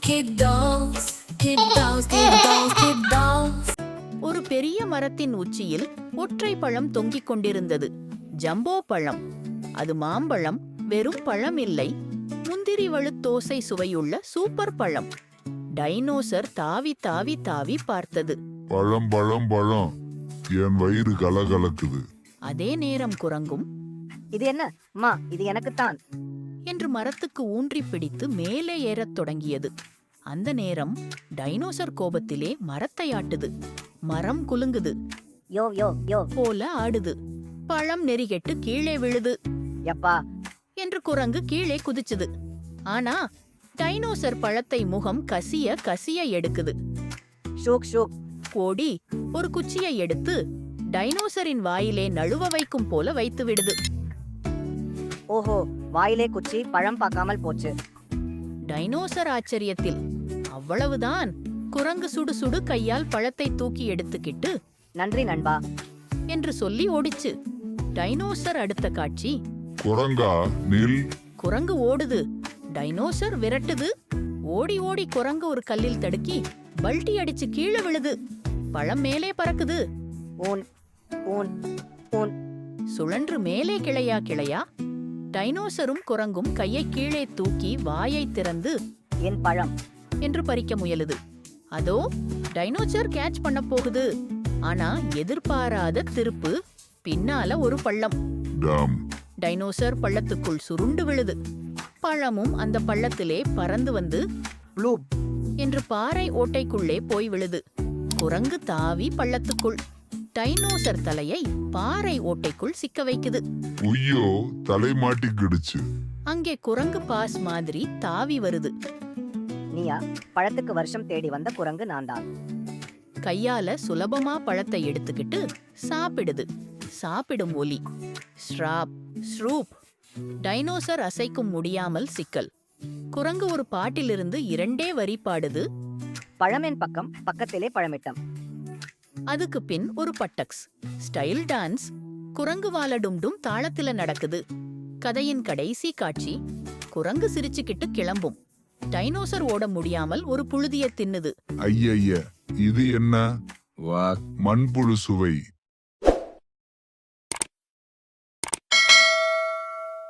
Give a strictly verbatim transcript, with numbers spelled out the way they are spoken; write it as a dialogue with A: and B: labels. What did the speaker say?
A: Kid dolls, kid dolls, kid dolls, kid dolls.
B: ஒரு பெரிய மரத்தின் உச்சியில் ஒற்றை பழம் தொங்கிக் கொண்டிருந்தது. ஜம்போ பழம். அது மாம்பழம், வெறும் பழம் இல்லை, முந்திரி வழுத்தோசை சுவையுள்ள சூப்பர் பழம். டைனோசர் தாவி தாவி தாவி பார்த்தது.
C: பழம் பழம் பழம், என் வயிறு கலகலக்குது.
B: அதே நேரம் குரங்கும்,
D: இது என்ன அம்மா, இது எனக்குத்தான்
B: என்று மரத்துக்கு ஊன்றி பிடித்து மேலே ஏறத் தொடங்கியது. அந்த நேரம் டைனோசர் கோபத்திலே மரத்தை ஆட்டுது. மரம் குலுங்குது.
D: யோ யோ யோ
B: போல ஆடுது. பழம் நெறிகெட்டு கீழே விழுது.
D: யப்பா
B: என்று குரங்கு கீழே குதிச்சுது. ஆனா டைனோசர் பழத்தை முகம் கசிய கசிய எடுக்குது.
D: ஷூக் ஷூக்
B: கோடி ஒரு குச்சியை எடுத்து டைனோசரின் வாயிலே நழுவ வைக்கும் போல வைத்து விடுது.
D: ஓஹோ, வாயிலே குச்சி, பழம் பார்க்காமல் போச்சு.
B: டைனோசர் ஆச்சரியத்தில். அவ்வளவுதான். குரங்கு சுடு சுடு கையால் பழத்தை தூக்கி எடுத்துக்கிட்டு
D: நன்றி நண்பா
B: என்று சொல்லி ஓடிச்சு. டைனோசர் அடுத்த காட்சி.
C: குரங்கா நில்.
B: குரங்கு ஓடுது. டைனோசர் விரட்டுது. ஓடி ஓடி குரங்கு ஒரு கல்லில் தடுக்கி பல்டி அடிச்சு கீழே விழுது. பழம் மேலே பறக்குது.
D: ஊன் ஊன் ஊன்
B: சுழன்று மேலே கிளையா கிளையா. டைனோசரும் குரங்கும் கையை கீழே தூக்கி வாயை திறந்து
D: என் பழம்
B: என்று பறிக்க முயலுது. அதோ டைனோசர் கேட்ச் பண்ண போகுது. ஆனா எதிர்பாராத திருப்பு. பின்னால ஒரு பள்ளம்.
C: டாம்.
B: டைனோசர் பள்ளத்துக்குள் சுருண்டு விழுது. பழமும் அந்த பள்ளத்திலே பறந்து வந்து
D: ப்ளூப்
B: என்று பாறை ஓட்டைக்குள்ளே போய் விழுது. குரங்கு தாவி பள்ளத்துக்குள். டைனோசர் தலையை பாறை ஓட்டைக்குள் சிக்க வைக்குது.
C: உய்யோ, தலை மாட்டிக்கிடுச்சு.
B: அங்கே குரங்கு பாஸ் மாதிரி தாவி வருது.
D: நீயா? பழத்துக்கு வருஷம் தேடி வந்த குரங்கு நான் தான்.
B: கையால சுலபமா பழத்தை எடுத்துக்கிட்டு சாப்பிடுது. சாப்பிடும் ஒலி. ஸ்ராப் ஸ்ரூப். டைனோசர் அசைக்கும் முடியாமல் சிக்கல். குரங்கு ஒரு பாட்டிலிருந்து இரண்டே வரி பாடுது.
D: பழமென் பக்கம், பக்கத்திலே பழமிட்டம்.
B: அதுக்கு பின் ஒரு பட்டக்ஸ் ஸ்டைல் டான்ஸ். குரங்கு வாலடும்டும் தாளத்தில நடக்குது. கதையின் கடைசி காட்சி. குரங்கு சிரிச்சுக்கிட்டு கிளம்பும். டைனோசர் ஓட முடியாமல் ஒரு புழுதிய தின்னுது.
C: ஐயய்ய, இது என்ன? வா, மண்புழு சுவை.